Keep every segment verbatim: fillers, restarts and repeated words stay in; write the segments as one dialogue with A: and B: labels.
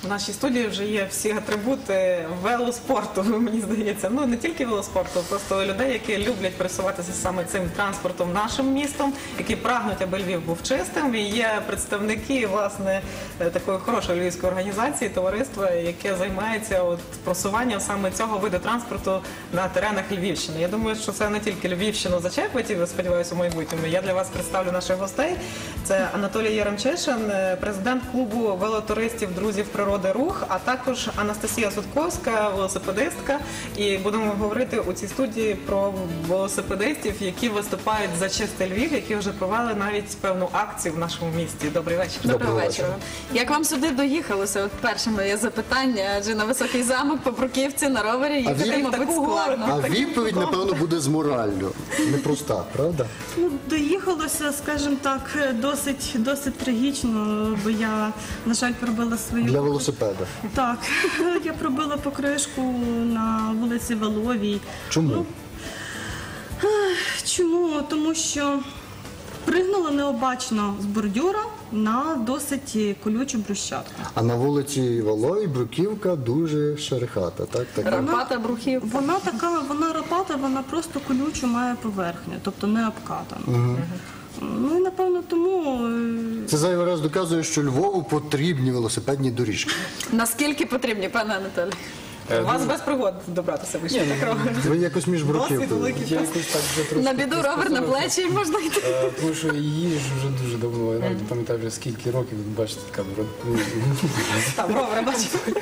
A: нашій студії вже є всі атрибути велоспорту, мені здається. Ну, не тільки велоспорту, просто людей, які люблять пересуватися саме цим транспортом нашим містом, які прагнуть, аби Львів був чистим. І є представники, власне, такої хорошої львівської організації, товариства, яке займається от просуванням саме цього виду транспорту на теренах Львівщини. Я думаю, що це не тільки Львівщину зачепить, і, сподіваюся, у майбутньому. Я для вас представлю наших гостей. Це Анатолій Яремчишин, президент клубу велотуристів «Друзів природи Рух», а також Анастасія Судковська, велосипедистка. І будемо говорити у цій студії про велосипедистів, які виступають за чистий Львів, які вже провели навіть певну акцію в нашому місті. Добрий вечір.
B: Доброго вечора. Як вам сюди доїхалося? От перше моє запитання, адже на Високий замок по Бруківці на ровері їхати, мабуть, складно.
C: А відповідь, напевно, буде з мораллю. Непроста, правда?
D: Ну, доїхалося, скажімо так, досить, досить трагічно, бо я, на жаль, пробила свою...
C: Для велосипеда.
D: Так, я пробила покришку на вулиці Валовій.
C: Чому?
D: Ну, чому? Тому що пригнула необачно з бордюра на досить колючу брусчатку.
C: А на вулиці Валовій Бруківка дуже шерехата, так? Така.
B: Рапата, брухівка.
D: Вона така, вона рапата, вона просто колючу має поверхню, тобто не обкатана. Угу. Ну і напевно тому...
C: Це зайвий раз доказує, що Львову потрібні велосипедні доріжки.
B: Наскільки потрібні, пане Анатолій?
A: У вас без пригод добратися вище.
C: Ви якось між Бруківкою.
E: Я якось так вже трошки
B: На біду ровер на плечі і можна йти.
E: Е, Тому що її ж вже дуже давно, я навіть пам'ятаю вже скільки років, ви бачите, така борода.
A: Там ровер, бачите.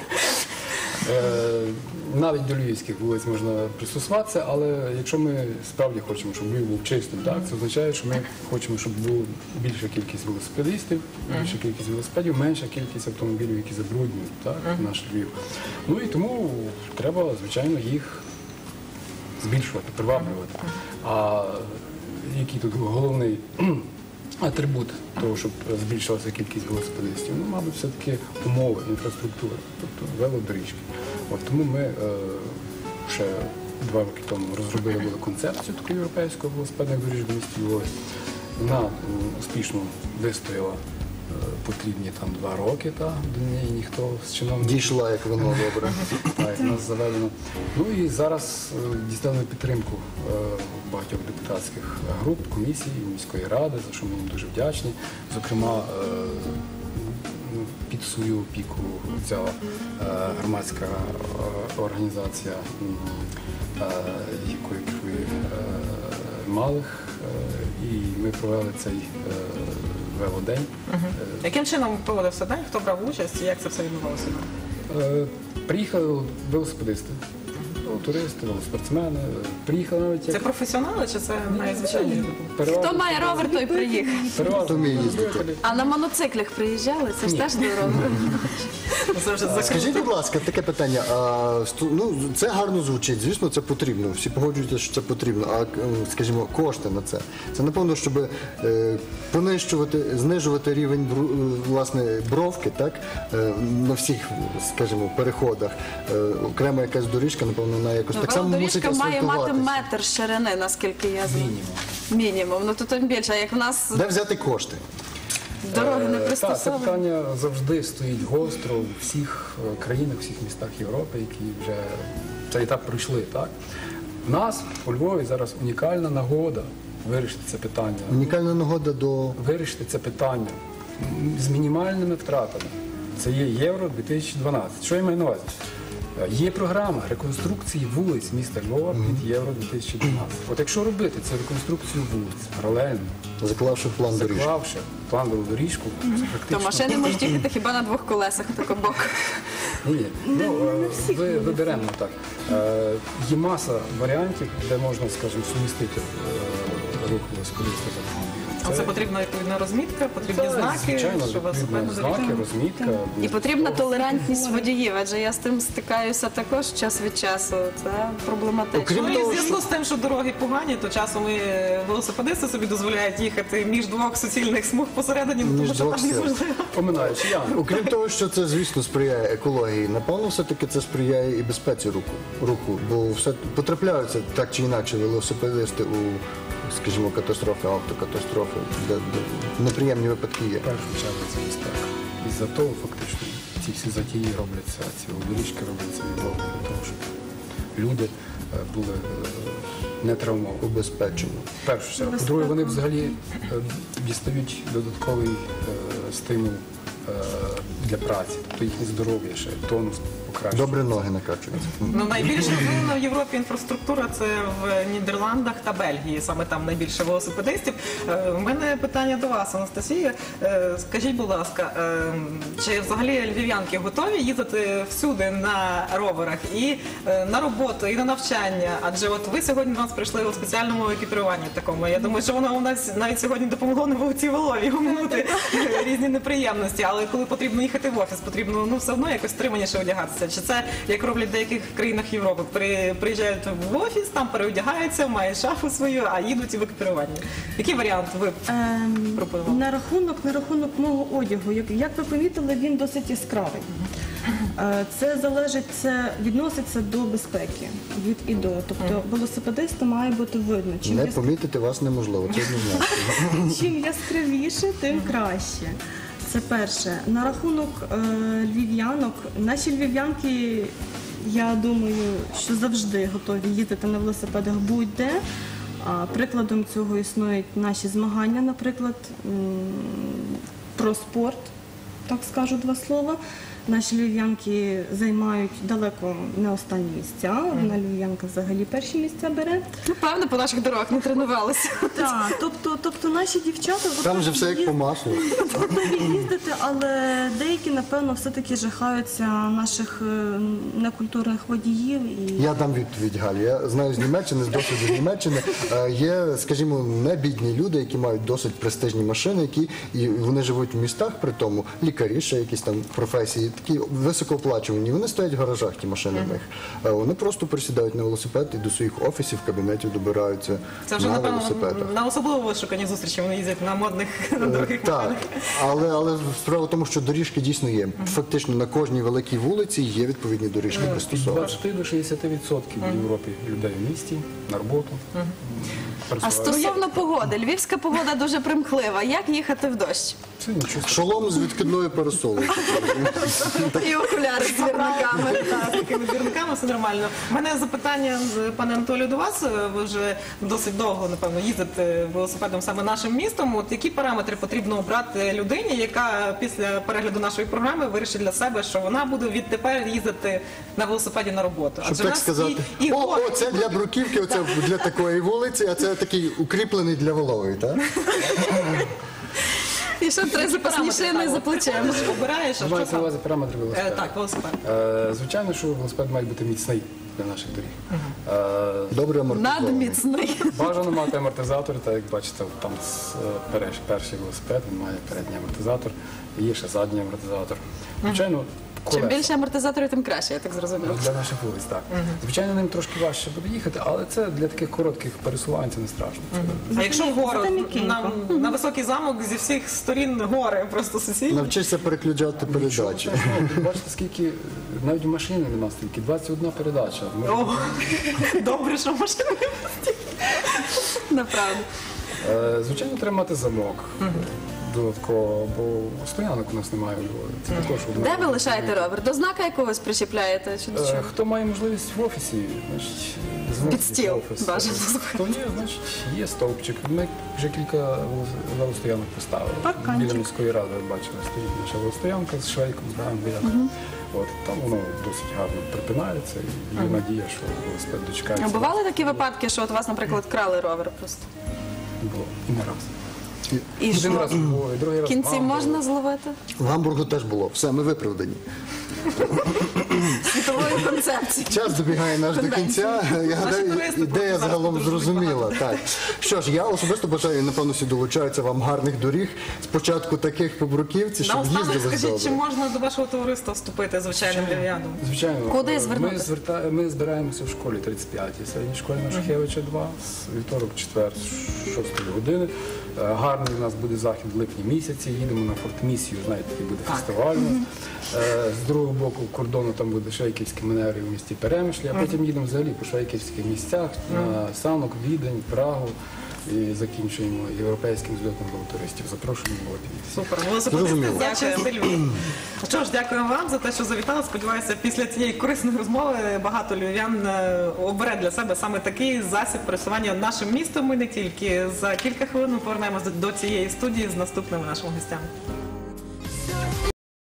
E: Е, Навіть до львівських вулиць можна пристосуватися, але якщо ми справді хочемо, щоб Львів був чистим, так, це означає, що ми хочемо, щоб була більша кількість велосипедистів, більша кількість велосипедів, менша кількість автомобілів, які забруднюють, так, наш Львів. Ну і тому треба, звичайно, їх збільшувати, приваблювати. А який тут головний атрибут того, щоб збільшилася кількість велосипедистів? Ну, мабуть, все-таки умови, інфраструктура, тобто велодоріжки. От тому ми е, ще два роки тому розробили були концепцію таку європейську велосипедних доріжок в місті Львові. Вона м, успішно вистояла е, потрібні там два роки, та, до неї ніхто з чиновників.
C: Дійшла, як воно добре.
E: Так, нас заведено. Ну і зараз е, дістали підтримку е, багатьох депутатських груп, комісій, міської ради, за що ми їм дуже вдячні. Зокрема, е, під свою опіку взяла е, громадська е, організація, е, якою керує е, Малих, е, і ми провели цей е, велодень.
A: Угу. Яким чином проводився день? Хто брав участь і як це все відбувалося?
E: Е, Приїхали велосипедисти, туристи, велоспортсмени. Приїхали навіть як...
A: Це професіонали чи це найзвичайні люди?
E: Переважно-
B: Хто має ровер, той приїхав.
E: переважно
C: Хто вміє їздити?
E: любителі.
B: А на моноциклях приїжджали? Це ж теж до роверу.
A: Це вже закрито.
C: Скажіть, будь ласка, таке питання. А, сту- ну, це гарно звучить, звісно, це потрібно. Всі погоджуються, що це потрібно. А, е, скажімо, кошти на це. Це, напевно, щоб е, понищувати, знижувати рівень бру- е, власне, бровки, так? Е, на всіх, скажімо, переходах. Е, окрема якась доріжка, напевно, вона якось так само мусить
B: Велодоріжка має мати
C: асфальтуватися.
B: метр ширини, наскільки я знаю.
E: Мінімум.
B: Мінімум. Ну то тим більше, як в нас
C: Де взяти кошти?
B: дороги не
E: Е, Так, це
B: пристосовані.
E: питання завжди стоїть гостро у всіх е, країнах, у всіх містах Європи, які вже цей етап пройшли. Так? У нас у Львові зараз унікальна нагода вирішити це питання.
C: Унікальна нагода до...
E: Вирішити це питання м, з мінімальними втратами. Це є Євро дві тисячі дванадцять. Що я маю на увазі? Е, Є програма реконструкції вулиць міста Львова під Євро дві тисячі дванадцять. От якщо робити цю реконструкцію вулиць паралельно,
C: заклавши план доріжки.
E: заклавши планову доріжку, практично...
B: То машини можуть їхати хіба на двох колесах, тако бок.
E: Ні, ну, е, ви, виберемо так. Е, Є маса варіантів, де можна, скажімо, сумістити е, рух велосипедиста з автомобілем.
A: А це потрібна відповідна розмітка, потрібні
E: Це,
A: знаки,
E: звичайно,
A: що велосипедна
E: відповідні знаки,
A: доріжка.
E: розмітка.
B: І потрібна толерантність водіїв, адже я з тим стикаюся також час від часу. Це проблематично.
C: Окрім
A: Ну і
C: того,
A: в зв'язку з тим, що дороги погані, то часом і велосипедисти собі дозволяють їхати між двох суцільних смуг посередині, ну, тому
C: Між
A: що
C: двох
A: там
C: сил.
A: неможливо.
E: Поминаючи, я.
C: Окрім того, що це, звісно, сприяє екології, напевно, все-таки це сприяє і безпеці руху, руху, бо все потрапляються так чи інакше велосипедисти у, скажімо, катастрофи, автокатастрофи, де, де неприємні випадки є.
E: В першу чергу це безпека. І за того фактично ці всі затії робляться, ці доріжки робляться від Бога для того, щоб люди е, були е, не травмовані.
C: Убезпечено.
E: Перше, чергу. По-друге, вони взагалі е, дістають додатковий е, стимул е, для праці, тобто їхнє здоров'я ще, тонус покращує.
C: Добре ноги накачуються.
A: Ну, найбільш розвинена в Європі інфраструктура це в Нідерландах та Бельгії. Саме там найбільше велосипедистів. Е, У мене питання до вас, Анастасія. Е, Скажіть, будь ласка, е, чи взагалі львів'янки готові їздити всюди на роверах і е, на роботу, і на навчання? Адже от ви сьогодні до нас прийшли у спеціальному екіпіруванні такому. Я думаю, що воно у нас навіть сьогодні допомогло на вулиці Волові оминути різні неприємності. Але коли потрібно їхати в офіс, потрібно ну все одно якось стриманіше одягатися. Чи це як роблять в деяких країнах Європи? При, приїжджають в офіс, там переодягаються, мають шафу свою, а їдуть в екіпіруванні. Який варіант ви
D: Ем,
A: пропонували?
D: на рахунок на рахунок мого одягу, як, як ви помітили, він досить яскравий. Е, Це залежить, це відноситься до безпеки від і до. Тобто велосипедисту має бути видно. Чим,
C: Не
D: яс-
C: помітити вас неможливо, це однозначно.
D: чим яскравіше, тим краще. Це перше. На рахунок е, львів'янок, наші львів'янки, я думаю, що завжди готові їздити на велосипедах будь-де. А прикладом цього існують наші змагання, наприклад, м, про спорт, так скажу два слова. Наші львів'янки займають далеко не останні місця. Одна львів'янка взагалі перші місця бере.
B: Ну, певно, по наших дорогах не тренувалися.
D: Так, тобто, тобто наші дівчата
C: Там же все як по маслу.
D: готові їздити, але деякі, напевно, все-таки жахаються наших е, некультурних водіїв. І...
C: Я дам відповідь, Галі. Я знаю з Німеччини, з досвіду Німеччини. е, Є, скажімо, не бідні люди, які мають досить престижні машини, які і вони живуть в містах, при тому лікарі, ще якісь там професії, такі високооплачувані. Вони стоять в гаражах, ті машини в них. Е, Вони просто присідають на велосипед і до своїх офісів, кабінетів добираються
A: Це вже,
C: на
A: напевно,
C: велосипедах.
A: на особливо вишукані зустрічі вони їздять на модних дорогих
C: Так,
A: машинах.
C: але, але справа в тому, що доріжки дійсно є. Фактично на кожній великій вулиці є відповідні доріжки
E: Від
C: пристосовані.
E: двадцяти до шістдесяти відсотків в Європі людей в місті, на роботу.
B: А
E: пересуваються.
B: стосовно погоди, львівська погода дуже примхлива. Як їхати в дощ?
E: Це нічого.
C: Шолом з відкидною парасолою.
B: І окуляри з вірниками.
A: Так, з такими двірниками все нормально. У мене запитання, з- пане Анатолію, до вас. Ви вже досить довго, напевно, їздите велосипедом саме нашим містом. От які параметри потрібно обрати людині, яка після перегляду нашої програми вирішить для себе, що вона буде відтепер їздити на велосипеді на роботу?
C: Щоб
A: Адже в
C: так
A: нас
C: сказати,
A: і, і
C: о,
A: гори.
C: о, це для бруківки, оце для такої вулиці, а це такий укріплений для Волової, так?
B: І ще три запасні шини за плечем.
A: Ти обираєш, а що
E: Мається на
A: саме?
E: увазі параметри
A: Е,
E: велосипеда.
A: Так, велосипед.
E: Е, Звичайно, що велосипед має бути міцний для наших доріг. Е,
C: Добре амортизований.
B: Надміцний.
E: Бажано мати амортизатор, так як бачите, там з, е, переш- перший велосипед, він має передній амортизатор, є ще задній амортизатор. Звичайно,
B: Чим
E: колеса.
B: більше амортизаторів, тим краще, я так зрозуміла.
E: Для наших вулиць, так. Звичайно, ним трошки важче буде їхати, але це для таких коротких пересувань це не страшно. Це
A: А якщо вгору,
D: Зате м'якенько.
A: на, на високий замок зі всіх сторін гори, просто сусідні.
C: Навчишся переключати передачі.
E: Ну, бачите, скільки навіть в машині нема стільки, двадцять одна передача. Може,
A: О, добре, що машина.
B: Направду.
E: Е, Звичайно, треба мати замок додатково, бо стоянок у нас немає у Львові. Це також одна.
B: Де ви лишаєте ровер? До знака якогось причіпляєте? Чи до
E: Е,
B: чого?
E: Хто має можливість в офісі, значить, зносить
B: Під стіл,
E: в офіс.
B: бажано.
E: Хто ні, значить, є стовпчик. Ми вже кілька велостоянок поставили.
D: Парканчик.
E: Біля міської ради, бачили, стоїть наша велостоянка з швейком, з грам, От, там воно досить гарно припинається, і є надія, що велосипед
B: А
E: дочекається.
B: бували такі випадки, що от вас, наприклад, крали ровер просто?
E: Було. І не раз.
B: І
E: Один
B: що?
E: раз було, і другий
B: В
E: раз
B: кінці
E: вам
B: можна
E: було.
B: зловити?
C: В Гамбургу теж було. Все, ми виправдані.
B: Світової концепції.
C: Час добігає наш до кінця. Я гадаю,
A: туристи
C: ідея
A: просто
C: загалом
A: зараз дуже
C: зрозуміла. Так. Що ж, я особисто бажаю, напевно, всі долучаються вам гарних доріг. Спочатку таких по Бруківці, щоб
A: Наостанок
C: їздили
A: скажіть, чи
C: добре.
A: можна до вашого товариства вступити звичайним львів'янам?
E: Звичайно.
B: Куди
E: Е,
B: звернутися?
E: Ми, зверта... ми збираємося в школі тридцять п'ятій, середній школі на Шухевича два, з вівторок, четвер, з шостої години. Е, Гарний у нас буде захід в липні місяці, їдемо на фортмісію, знаєте, такий буде фестиваль у нас. Е, З другого боку кордону там буде Швейківські манери в місті Перемишлі, а потім їдемо взагалі по швейківських місцях, на Санок, Відень, Прагу. і закінчуємо європейським зльотом велотуристів. Запрошуємо в Латвію.
A: Супер. Велосипедисти
C: Зрозуміло.
A: за чистий Львів. Що ж, дякуємо вам за те, що завітали. Сподіваюся, після цієї корисної розмови багато львів'ян е, обере для себе саме такий засіб пересування нашим містом. Ми не тільки за кілька хвилин повернемося до цієї студії з наступними нашими гостями.